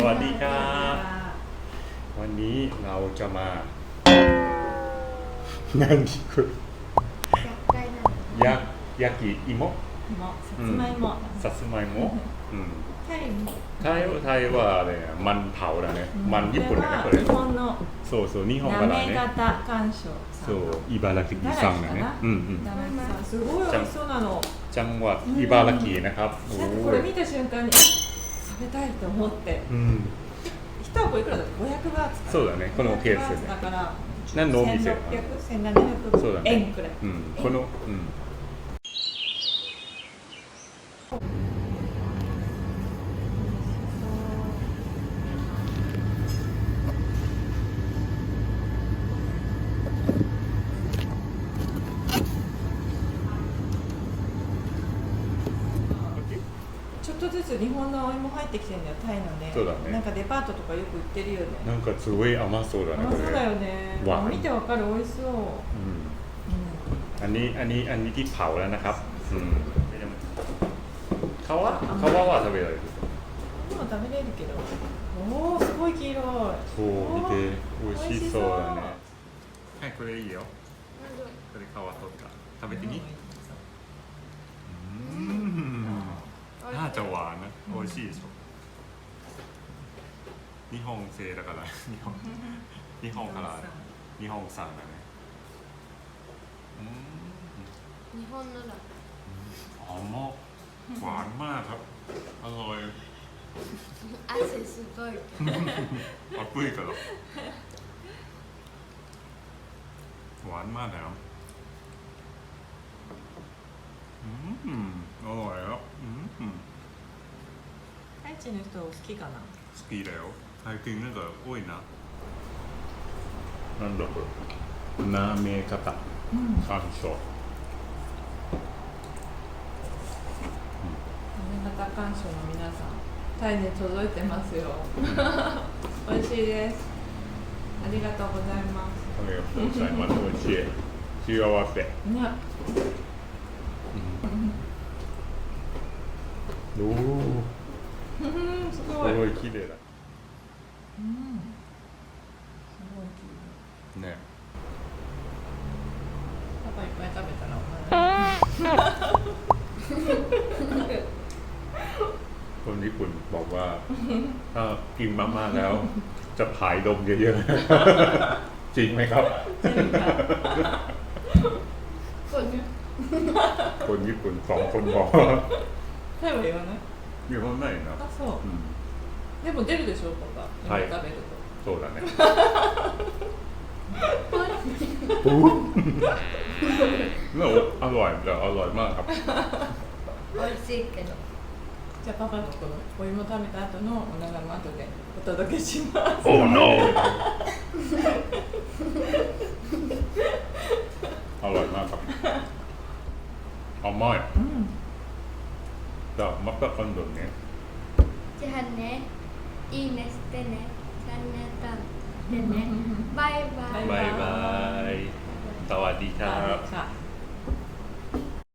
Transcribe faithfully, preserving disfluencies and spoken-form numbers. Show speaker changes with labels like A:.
A: วัสดีครับวันนี้เราจะมานั่งที่คุณยักยากิอิโมะ
B: さつまいも
A: さつまいも
B: タイ
A: ไทยไทยว่าอะไรอ่ะมันเผาだねมันญี่ปุ่นだねこれ
B: 日本の
A: そうそう日本からね
B: なめ型干渉
A: そう茨城さんだねうんうん
B: すごい美味しそうなの
A: จังหวัดอิบารากินะครับ
B: なんかこれ見た瞬間に食べたいと思って一箱いくらだってごひゃくバーツか
A: そうだねこのケース
B: だから
A: 何のお店
B: せんろっぴゃく、せんななひゃくえんくらい
A: うんこのうん
B: ちょっとずつ日本のお芋入ってきてるんだよタイのね
A: そうだね
B: なんかデパートとかよく売ってるよね
A: なんかすごい甘そうだねこれ
B: 甘そうだよね見てわかる美味しそう
A: อันนี้อันนี้อันนี้ที่เผาแล้วนะครับอืม皮皮は食べられる
B: でも食べれるけどおおすごい黄色い
A: そう見て美味しそうだねはいこれいいよこれ皮取った食べてみうんน่าจะหวานนะ美味しいでしょ日本製だから日本日本から日本産だね
C: 日本のだ
A: 甘っหวานมากครับอร่อย
C: 汗すごい
A: 暑いからหวานมากแล้วอืมอร่อยแล้วอืม
B: タイチの人好きかな
A: 好きだよ最近なんか多いななんだこれなめ方山椒
B: なめ型干渉の皆さんタイに届いてますよ美味しいですありがとうございます
A: ありがとうございます美味しい幸せ
B: ね
A: おお
B: す
A: す
B: ごい
A: ごい綺麗だ
B: うんすごい綺麗
A: ね
B: パパいっぱい食べたらお前
A: คนญี่ปุ่นบอกว่าถ้ากินมากๆแล้วจะผายดมเยอะๆจริงไหมครับคนญี่ปุ่นสองคนบอก
B: タイは言わない
A: 日本ないな
B: あそう
A: うん
B: でも出るでしょパパ
A: はい
B: 今食べると
A: そうだねอร่อยแต่อร่อยมากครับ
C: 美味しいけど
B: じゃあパパのこのお芋食べた後のお腹も後でお届けします
A: Oh no อร่อยมากครับ甘い
B: うん
A: じゃあまた今度ね
C: じゃあねいいねしてねチャンネル登録してねバイバイ
A: バイバイสวัสดีครับ
B: ค่ะ